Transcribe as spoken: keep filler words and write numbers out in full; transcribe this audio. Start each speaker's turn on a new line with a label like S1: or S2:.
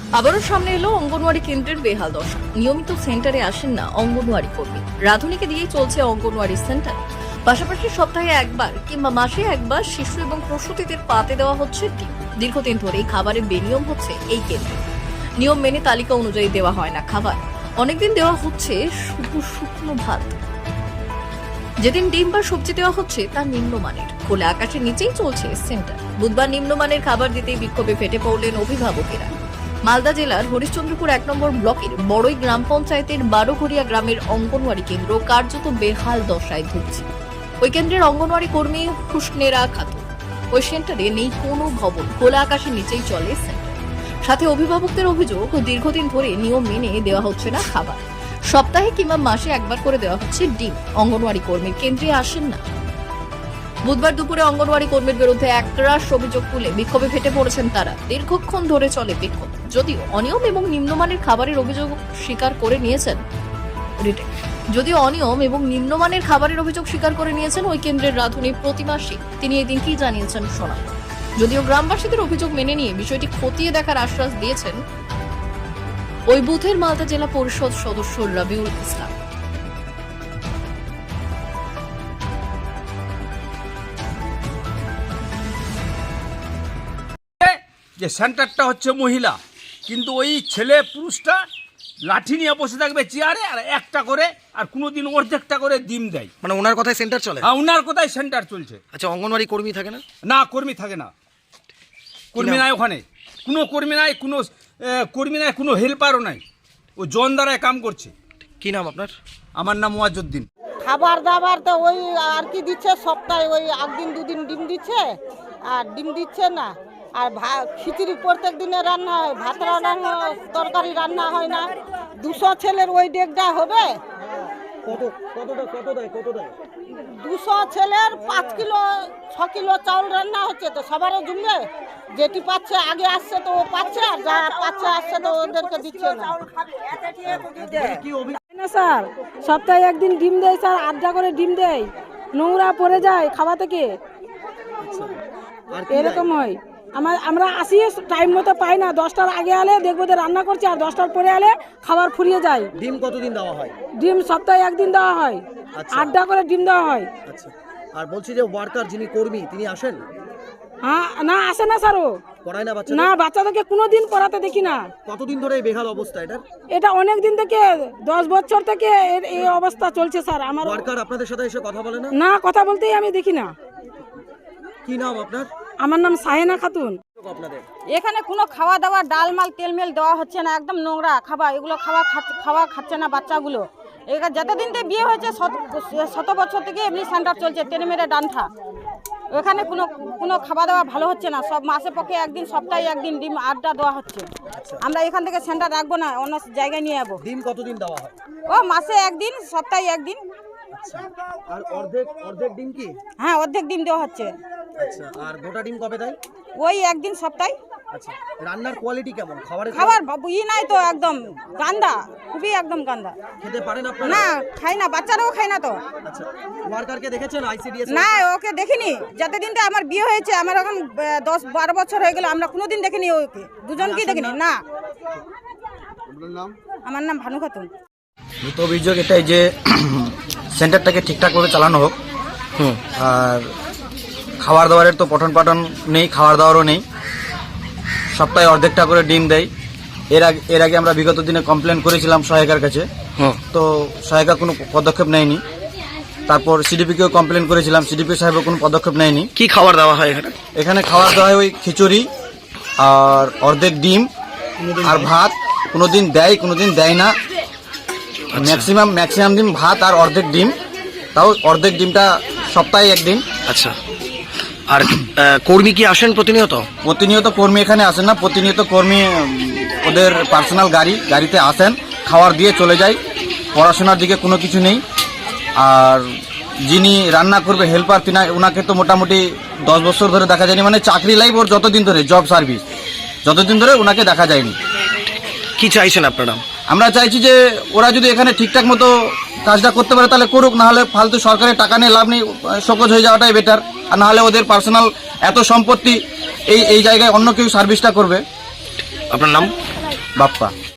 S1: আবারও সামনে এলো অঙ্গনওয়াড়ি কেন্দ্রের বেহাল দশা। নিয়মিত সেন্টারে আসেন না অঙ্গনওয়াড়ি কর্মী। রাধুনীকে দিয়েই চলছে অঙ্গনওয়াড়ি সেন্টার। পাশাপাশি সপ্তাহে একবার কিংবা মাসে একবার শিশু এবং প্রসূতিদের পাতে দেওয়া হচ্ছে ডিম। দীর্ঘদিন ধরেই খাবারের বেনিয়ম হচ্ছে এই কেন্দ্রে। নিয়ম মেনে তালিকা অনুযায়ী দেওয়া হয় না খাবার। অনেকদিন দেওয়া হচ্ছে শুধু শুকনো ভাত। যেদিন ডিম বা সবজি দেওয়া হচ্ছে তা নিম্নমানের। খোলা আকাশের নিচেই চলছে সেন্টার। বুধবার নিম্নমানের খাবার দিতেই বিক্ষোভে ফেটে পড়লেন অভিভাবকেরা। মালদা জেলার হরিশ্চন্দ্রপুর এক নম্বর ব্লকের বড়ই গ্রাম পঞ্চায়েতের বারোঘরিয়া গ্রামের অঙ্গনওয়াড়ি কেন্দ্র কার্যত বেহাল দশায় ভুগছে। ওই কেন্দ্রের অঙ্গনওয়াড়ি কর্মী হুসনেরা খাতুন। ওই সেন্টারে নেই কোনো ভবন, খোলা আকাশের নিচেই চলে সেন্টার। সাথে অভিভাবকদের অভিযোগ, দীর্ঘদিন ধরে নিয়ম মেনে দেওয়া হচ্ছে না খাবার। সপ্তাহে কিংবা মাসে একবার করে দেওয়া হচ্ছে ডিম। অঙ্গনওয়াড়ি কর্মীর কেন্দ্রে আসেন না। বুধবার দুপুরে অঙ্গনওয়াড়ি কর্মীর বিরুদ্ধে একরাশ অভিযোগ তুলে বিক্ষোভে ফেটে পড়েছেন তারা। দীর্ঘক্ষণ ধরে চলে বিক্ষোভ। যদিও অনিয়ম এবং নিম্নমানের খাবারের অভিযোগ স্বীকার করে নিয়েছেন যদিও অনিয়ম এবং নিম্নমানের খাবারের অভিযোগ স্বীকার করে নিয়েছেন ওই কেন্দ্রের রাধুনী প্রতিমা সিং। তিনি এদিন কি জানিয়েছেন শোনা। যদিও গ্রামবাসীদের অভিযোগ মেনে নিয়ে বিষয়টি খতিয়ে দেখার আশ্বাস দিয়েছেন ওই বুথের মালদা জেলা পরিষদ সদস্য রবিউল ইসলাম।
S2: যে সেন্টারটা হচ্ছে মহিলা, কিন্তু ওই ছেলে পুরুষটা লাঠি নিয়ে বসে থাকবে চেয়ারে, আর একটা করে আর কোনোদিন অর্ধেকটা করে ডিম দেয়।
S3: মানে ওনার কথায় সেন্টার চলে?
S2: হ্যাঁ, ওনার কথায় সেন্টার চলছে।
S3: আচ্ছা, অঙ্গনওয়াড়ি কর্মী থাকে না?
S2: না, কর্মী থাকে না। কর্মী নাই ওখানে, কোনো কর্মী নাই, কোনো কর্মী নাই, কোনো হেল্পারও নাই। ও জন দ্বারায় কাম করছে।
S3: কি নাম আপনার?
S2: আমার নাম ওয়াজউদ্দিন।
S4: খাবার দাবার তো ওই আর কি দিচ্ছে, সপ্তাহে ওই একদিন দুদিন ডিম দিচ্ছে, আর ডিম দিচ্ছে না। আর খিচুড়ি প্রত্যেক দিনে রান্না হয়, ভাত রান্না, তরকারি রান্না হয় না। দুশো ছেলের ওই ডেকটা হবে, দুশো ছেলের পাঁচ কিলো ছ কিলো চাউল রান্না হচ্ছে। তো সবারও জুমবে, যেটি পাচ্ছে আগে আসছে তো ও পাচ্ছে, আর যারা পাচ্ছে আসছে তো ওদেরকে দিচ্ছে না।
S5: না স্যার, সপ্তাহে একদিন ডিম দেয় স্যার, আড্ডা করে ডিম দেয়, নোংরা পড়ে যায় খাওয়া থেকে, এরকম হয়। আমার আমরা আসি টাইম মতো পাই না। দশটার আগে আলে দেখবো যে রান্না করছে, আর দশটার পরে আলে খাবার ফুরিয়ে যায়।
S3: ডিম কতদিন দেওয়া হয়?
S5: ডিম সপ্তাহে একদিন দেওয়া হয়, আড্ডা করে ডিম দেওয়া হয়।
S3: আচ্ছা, আর বলছি যে ওয়ার্কার যিনি কর্মী তিনি আসেন?
S5: হ্যাঁ, না আসে না স্যার। ও
S3: পড়ায় না বাচ্চা?
S5: না, বাচ্চাদেরকে কোনোদিন পড়াতে দেখি না।
S3: কতদিন ধরে এই বেহাল অবস্থা এটা?
S5: এটা অনেক দিন থেকে, দশ বছর থেকে এই অবস্থা চলছে স্যার। আমার
S3: ওয়ার্কার আপনাদের সাথে এসে কথা বলে না?
S5: না, কথা বলতেই আমি দেখি না।
S3: কি নাম আপনার?
S5: আমার নাম সাহেনা খাতুন।
S3: আপনাদের
S4: এখানে কোনো খাওয়া দাওয়া, ডাল মাল তেল মেল দেওয়া হচ্ছে না, একদম নোংরা খাবার। এগুলো খাওয়া খাওয়া খাচ্ছে না বাচ্চাগুলো। এখানে যতদিন থেকে বিয়ে হয়েছে শত বছর থেকে এমনি সেন্টার চলছে, টেনে মেরে ডান্ঠা। এখানে কোনো কোনো খাওয়া দাওয়া ভালো হচ্ছে না। সব মাসে পক্ষে একদিন, সপ্তাহে একদিন ডিম আড্ডা দেওয়া হচ্ছে। আমরা এখান থেকে সেন্টার রাখবো না, অন্য জায়গায় নিয়ে যাবো।
S3: ডিম কতদিন দেওয়া হয়?
S4: ও মাসে একদিন, সপ্তাহে একদিন।
S3: আর অর্ধেক অর্ধেক ডিম কি?
S4: হ্যাঁ, অর্ধেক ডিম দেওয়া হচ্ছে।
S3: আচ্ছা, আর গোটা ডিম কবে দেয়?
S4: ওই একদিন সপ্তাহে।
S3: আচ্ছা, রান্নার কোয়ালিটি কেমন? খাবারের
S4: খাবার ই নাই তো, একদম গান্দা, খুবই একদম গান্দা।
S3: খেতে পারেন আপনারা?
S4: না, খাই না, বাচ্চারাও খায় না তো।
S3: আচ্ছা, ওয়ার্কারকে দেখেছেন আইসিডিএস?
S4: না, ওকে দেখিনি। যতদিন থেকে আমার বিয়ে হয়েছে, আমার এখন দশ বারো বছর হয়ে গেল, আমরা কোনোদিন দেখিনি ওকে, দুজনকেই দেখিনি। না। আমার নাম ভানু খাতুন।
S6: মূলত অভিযোগ এটাই যে সেন্টারটাকে ঠিকঠাক করে চালানো হোক। আর খাবার দাবারের তো পঠন পাঠন নেই, খাবার দাবারও নেই। সপ্তাহে অর্ধেকটা করে ডিম দেয়। এর আগে এর আগে আমরা বিগত দিনে কমপ্লেন করেছিলাম সহায়িকার কাছে, তো সহায়িকা কোনো পদক্ষেপ নেয়নি। তারপর সিডিপিকেও কমপ্লেন করেছিলাম, সিডিপি সাহেবও কোনো পদক্ষেপ নেয়নি।
S3: কি খাবার দেওয়া হয় এখানে?
S6: এখানে খাবার দেওয়া হয় ওই খিচুড়ি আর অর্ধেক ডিম আর ভাত। কোনোদিন দেয়, কোনোদিন দেয় না। ম্যাক্সিমাম ম্যাক্সিমাম দিন ভাত আর অর্ধেক ডিম, তাও অর্ধেক ডিমটা সপ্তাহে একদিন।
S3: আচ্ছা, আর কর্মী কি আসেন প্রতিনিয়ত?
S6: প্রতিনিয়ত কর্মী এখানে আসেন না। প্রতিনিয়ত কর্মী ওদের পার্সোনাল গাড়ি গাড়িতে আসেন, খাবার দিয়ে চলে যায়। পড়াশোনার দিকে কোনো কিছু নেই। আর যিনি রান্না করবে হেল্পার, তিনি ওনাকে তো মোটামুটি দশ বছর ধরে দেখা যায়নি। মানে চাকরি লাইফ ওর যতদিন ধরে, জব সার্ভিস যতদিন ধরে ওনাকে দেখা যায়নি।
S3: কি চাইছেন আপনারা?
S6: আমরা চাইছি যে ওরা যদি এখানে ঠিকঠাক মতো কাজটা করতে পারে তাহলে করুক, না হলে ফালতু সরকারের টাকা নিয়ে লাভ নেই, শোকজ হয়ে যাওয়াটাই বেটার। আর না হলে ওদের পার্সোনাল এত সম্পত্তি, এই এই জায়গায় অন্য কেউ সার্ভিসটা করবে।
S3: আপনার নাম?
S6: বাপ্পা।